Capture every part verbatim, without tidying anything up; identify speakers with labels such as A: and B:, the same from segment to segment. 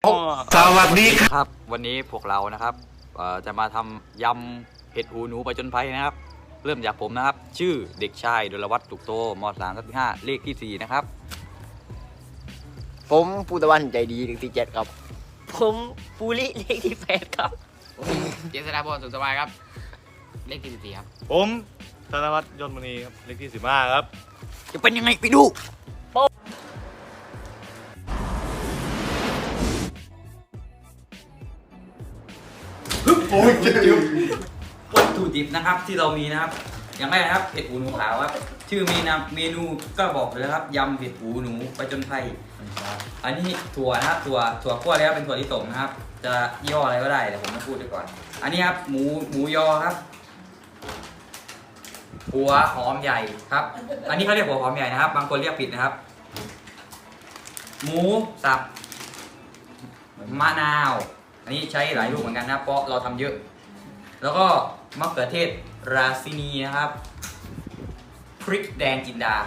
A: สวัสดี
B: ครับวันนี้พวกเรานะครับจะมาทำยำเห็ดหูหนูไปจนไพนะครับเริ่มจากผมนะครับชื่อเด็กชายดลวัฒน์ตุกโตมสามทับที่ห้าเลขที่สี่นะครับ
C: ผมภูตะวันใจดีเลขที่เจ็ดครับ
D: ผมปูริเลขที่แปดครับ
E: เจษฎาพรสุขสบายครับเลขที่สิบสี่ครับ
A: ผมธนวัฒน์ยนต์มณีครับเลขที่สิบห้าครับ
B: จะเป็นยังไงไปดูโอ้ยวัตถุดิบนะครับที่เรามีนะครับอย่างแรกนะครับเห็ดหูหนูขาวครับชื่อเมนูเมนูก็บอกเลยครับยำเห็ดหูหนูไปจนไพอันนี้ถั่วนะครับถั่วถั่วคั่วแล้วเป็นถั่วลิสงนะครับจะยี่ห้ออะไรก็ได้แต่ผมไม่พูดไปก่อนอันนี้ครับหมูหมูยอครับหัวหอมใหญ่ครับอันนี้เขาเรียกหัวหอมใหญ่นะครับบางคนเรียกผิดนะครับหมูสับมะนาวอันนี้ใช้หลายลูกเหมือนกันนะเพราะเราทำเยอะแล้วก็มะเขือเทศราซินีนะครับพริกแดงจินดา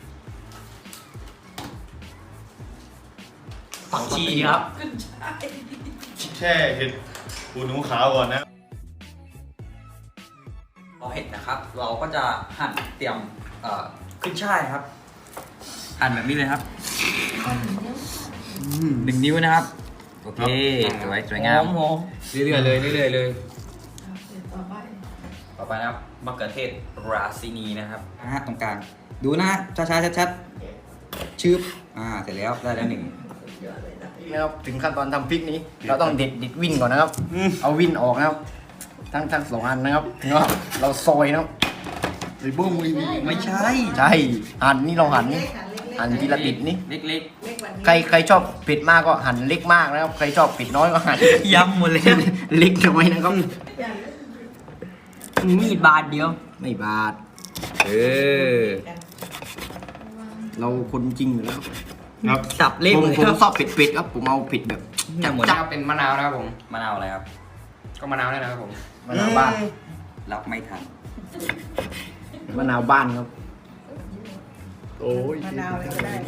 B: ผักชีครับ
A: แช่เห็ดหูหนูขาวก่อนนะ
B: พอเห็ดนะครับเราก็จะหั่นเตรียมขึ้นช่ายครับหั่นแบบนี้เลยครับหนึ่งนิ้วนะครับโอเคสวยสวยงามเรื่อยๆเลยเรื่อยๆเลยต่อไปนะครับมะเขือเทศราซินีนะครับนะฮะตรงกลางดูนะช้าๆชัดๆชืบอ่าเสร็จแล้วได้แล้วหนึ่ง
C: นะครับถึงขั้นตอนทำพริกนี้เราต้องเด็ดเด็ดวินก่อนนะครับเอาวินออกนะครับทั้งทั้งสองอันนะครับเนาะเราซอยนะครับไอ้บ้ง
B: ไม่ใช่
C: ใช่หั่นนี่เราหั่นหั่นทีละติดนี่
B: เล็ก
C: ๆใครใครชอบเผ็ดมากก็หั่นเล็กมากนะครับใครชอบเผ็ดน้อยก็หั่น
B: ยำหมดเลย
C: เล็กน้อยนะครับ
D: มีดบาทเดียว
C: ไม่บาท
B: เออ
C: เราคนจริงอยู่แล้ว
B: ครับสับเล็ก
C: ผมชอบเผ็ดๆครับผมเอาเผ็ดแบบ
E: จับหมดจับเป็นมะนาวนะครับผม
B: มะนาวอะไรครับ
E: ก็มะนาวได้นะครับผม
C: มะนาวบ้าน
B: รับไม่ทัน
C: มะนาวบ้านครับโอ้ย
D: มะนาวอะไรก็ได้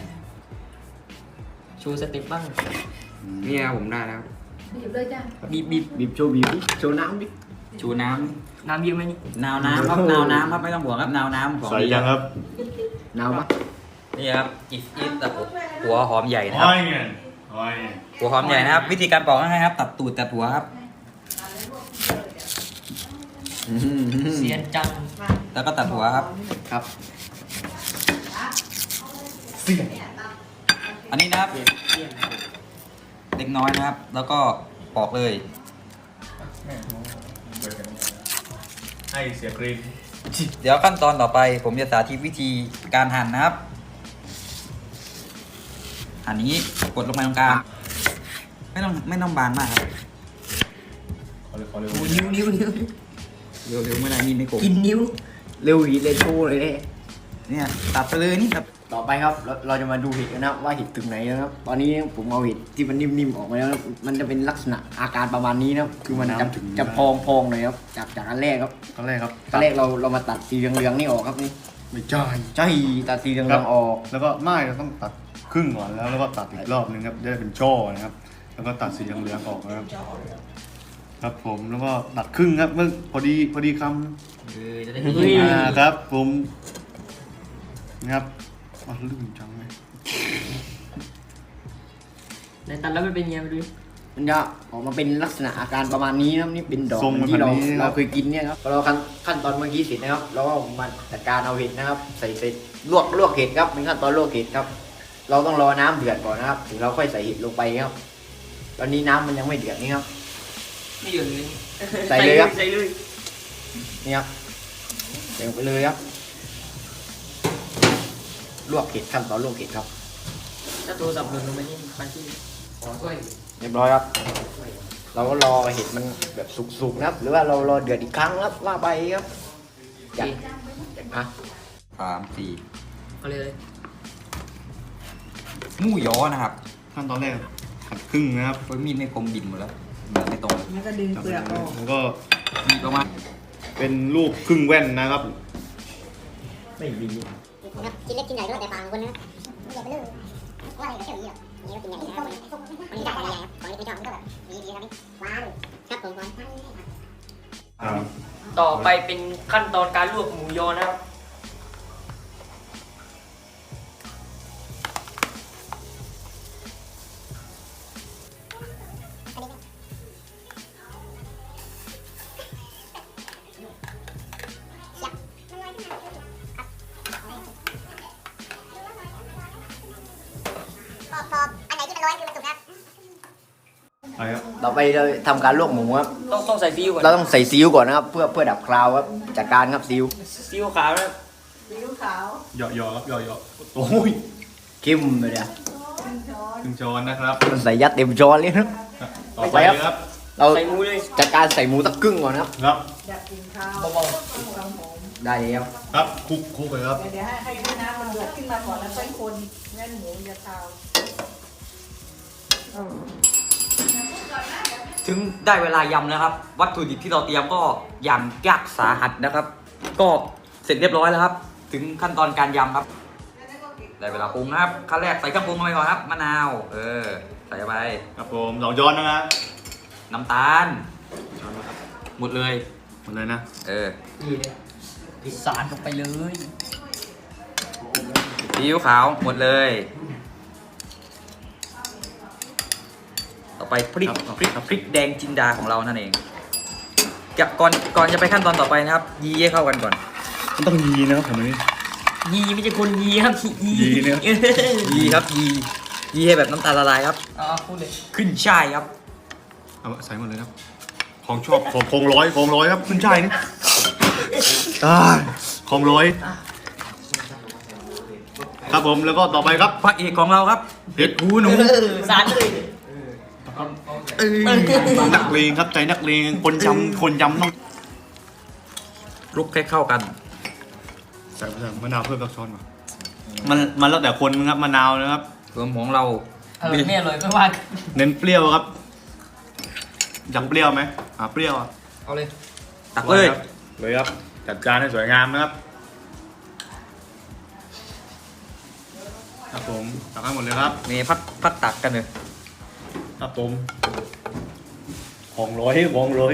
D: ชูสติปบ้าง
E: เนี่ยผมได้แล้ว
D: บีบเลยจ้ะ
C: บีบบีบบีบโชว์บีบโชว์น้ำดิ
B: ชูน้
D: ำน้ำเยอะไหมนี่
B: นาวน้ำครับนาวน้ำครับไม่ต้องห่วงครับนาวน้ำของ
A: ใส่ยังครับ
C: นาวปะ
B: นี่ครับอิสอิสแต่หัวหอมใหญ่นะครับหัวหอมใหญ่นะครับวิธีการปอกง่ายๆครับตัดตูดตัดหัวครับ
D: เสียนจัง
B: แล้วก็ตัดหัวครับ
C: ครับ
B: อันนี้นะครับเล็กน้อยนะครับแล้วก็ปอกเลย
A: ให้เสียกรีน
B: เดี๋ยวขั้นตอนต่อไปผมจะสาธิตวิธีการหั่นนะครับหั่นนี้กดลงไปตรงกลางไม่ต้องไม่ต้องบานมากครับ
D: นิ้วนิ้วนิ้ว
B: เร็วเร็วไม่ได้นี่ไม่โกง
D: กินนิ้ว
C: เร็วหีเลยโชว์เลย
B: เนี่ยตัดไปเลยนี่ตัด
C: ต่อไปครับเราเราจะมาดูเห็ดกันนะว่าเห็ดถึงไหนนะครับตอนนี้ผมเอาเห็ดที่มันนิ่มๆออกมาแล้วมันจะเป็นลักษณะอาการประมาณนี้นะครับคือมันจะจะพองพองเลยครับจากจากอันแรกครับ
A: อันแรกครับ
C: อันแรกเราเรามาตัดสีเหลืองๆนี่ออกครับนี่
A: ไม่ใช่
C: ใช่ตัดสีเหลืองๆออก
A: แล้วก็ไม่เราต้องตัดครึ่งก่อนแล้วแล้วก็ตัดอีกรอบนึงครับจะได้เป็นช่อนะครับแล้วก็ตัดสีเหลืองๆออกนะครับครับผมแล้วก็ตัดครึ่งครับเมื่อพอดีพอดีคำ
B: เออจะได้
A: อ่าครับผมนะครับอ๋อลื่นจังเลย
D: ในตัดแล้วมันเป็นยังไงดู
C: มันจะออกมาเป็นลักษณะอาการประมาณนี้นะนี่เป็นดอกที่เราเราเคยกินเนี่ยครับเราขั้นขั้นตอนเมื่อกี้เสร็จนะครับเราก็มาจัดการเอาเห็ดนะครับใส่ใส่ลวกลวกเห็ดครับเป็นขั้นตอนลวกเห็ดครับเราต้องรอน้ำเดือดก่อนนะครับถึงเราค่อยใส่เห็ดลงไปครับตอนนี้น้ำมันยังไม่เดือดนี่ครับ
D: ไม่เดือดเลย
C: ใส่เลยครับ
D: ใส่เลย
C: นี่ครับใส่ลงไปเลยครับลวกเห็ดขั้นตอนลวกเห็ดครับ
D: ถ้าตัวสับหล่นลงไปนี่มันที่ขอช่วย
C: เรียบร้อยครับเราก็รอเห็ดมันแบบสุกๆนะครับหรือว่าเรารอเดือดอีกครั้งครับว่าไปครับอยากอ่ะ
B: สามสี่
D: เอาเลย
B: หมูยอนะครับ
A: ขั้นตอนแรกหั่นครึ่งนะครับ
B: เพราะมีดไม่คมบินหมดแล้วเหมือนไม่ตรง
D: มันก็ดึงเปลือกออก
A: แล้วก็
B: มีประมาณ
A: เป็นลูกครึ่งแว่นนะครับ
C: ไม่ดี
F: กินเล็กกินใหญ่ก็แต่ปางคนนะไม่ใหญ่ไปเลยว่าอะไรก็เชื่ออย่างนี้หรอก็กินอย่างนี้นะครับมันมีได้หลายอย่างครับของที่ไม่ชอบมันก็แบบมีดีครับหวานครับผมหวาน
A: ครับ
D: ต่อไปเป็นขั้นตอนการลวกหมูยอนะครับ
F: พอพออันไหนที่มันร้อนคือมันสุกครับ
A: ไปครับ
C: ต่อไปเราทำการลวกหมูครับ
D: ต้องต้องใส่ซีอิ๊วก่อน
C: เราต้องใส่ซีอิ๊วก่อนนะครับเพื่อเพื่อดับคราวครับจากการครับซีอิ๊ว
D: ซีอิ๊วขาวนะครับ
A: เหยาะเหยาะครับเหยาะเหยาะโอ้ย
C: เข้มเลยเนี่ย
A: ถึงช้อนนะครับ
C: มันใส่ยัดเต็มช้อนเลยนะ
A: ต่อไปเลยครับ
C: เรา
D: ใส่หมูเลย
C: จากการใส่หมูตะกึ่งก่อนนะครับ
A: ครับ
D: เบา
C: ได้แล้ว
A: ครับคลุกคลุกเลยครับ
G: เดี๋ยวให้ให้ให้น้ำมันเดือดขึ้นมาก่อนแล้วค่อยคนแม่นหมูจะคาว
B: ถึงได้เวลายำแล้วครับ วัตถุดิบที่เราเตรียมก็อย่างยากสาหัสนะครับ ก็เสร็จเรียบร้อยแล้วครับ ถึงขั้นตอนการยำครับ ได้เวลาปรุงนะครับขั้นแรกใส่เครื่องปรุงลงไปก่อนครับมะนาวเออใส่เข้าไป
A: ครับผมสองช้อนนะครับ
B: น้ำตาลหมดเลย
A: หมดเลยนะ
B: เออ
D: ๆสาดลงไปเลย
B: ซีอิ๊วขาวหมดเลย ต่อไปพริกพริกพริกแดงจินดาของเรานั่นเองกับก่อนก่อนจะไปขั้นตอนต่อไปนะครับ ยีให้เข้ากันก่อน
A: มันต้องยีนะครับผมนี่
D: ยีไม่ใช่คนยีครับยี
A: ยีเนี่ย
B: ยีครับยียีให้แบบน้ำตาลละลายครับ
D: อ๋อพูดเลย
B: ขึ้นช่ายครับ
A: เอาใส่หมดเลยครับ ของชอบของคงร้อยของร้อยครับขึ้นช่ายนี่ได้ของร้อยครับผมแล้วก็ต่อไปครับ
B: พระเอกของเราครับ
A: เห็ด
B: หูหนู
D: สาดเลย
A: เอ้ยนักเลงครับใจนักเลงคนจำคนจำต้อง
B: คลุกให้เข้ากัน
A: ใส่มะนาวเพิ่มสักช้อนมามันมันแล้วแต่คนครับมะนาวนะครับ
B: รวมของเรา
D: อร่อยไม่อร่อยไม่ว่า
A: เน้นเปรี้ยวครับอยากเปรี้ยวไหมอ่าเปรี้ยวอ่ะ
D: เอาเลย
B: ตักเลย
A: ครับเลยครับจัดจานให้สวยงามนะครับครับผมตักให้หมดเลยครับ
B: มีพัดพัดตักกันเลย
A: ครับผมของร้อยของร้อย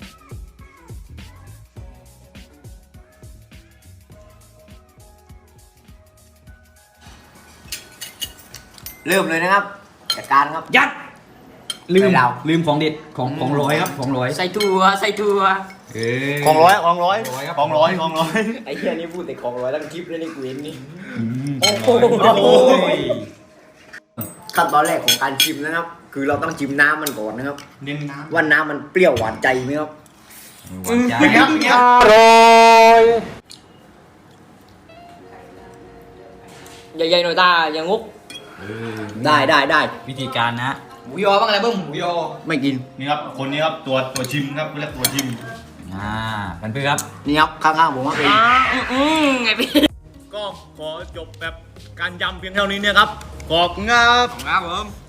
C: เริ่มเลยนะครับจากการครับ
B: ยัดลืม
C: ใส่เรา
B: ลืมของเด็ดของของร้อยครับของร้อย
D: ใส่ถั่วใส่ถั่ว
B: เอ้ย
A: ของร้อยของร้อย
B: ของร้อยครับ
A: ของร้อยของร้อย
C: ไอ้เหี้ยนี่พูดแต่ของร้อยตั้งคลิปเลยนี่กูเห็นนี่
B: โอ้โห
C: ขั้นตอนแรกของการชิมนะครับ คือเราต้องชิมน้ำมันก่อนนะครับ
A: เน้นน้ำ
C: ว่าน้ำมันเปรี้ยวหวานใจไหมครับ
B: หวานใจ
A: เป็นไงครับเป็นไงครับ
D: ใหญ่ๆหน่อยตาอย่างงุก
C: ได้ได้ได้
B: วิธีการนะ
D: หมูยอบ้างอะไรบ้างหมูยอ
C: ไม่กิน
A: นี่ครับคนนี้ครับตัวตัวชิมครับเรียกตัวชิม
B: อ่ากันเพื่อครับ
C: นี่ครับข้างๆผมว่าเป็น
D: อืมไงพี่
A: ก็ขอจบแบบการยำเพียงเท่านี้เนี่ยครับขอบคุณครับ
B: ครับผม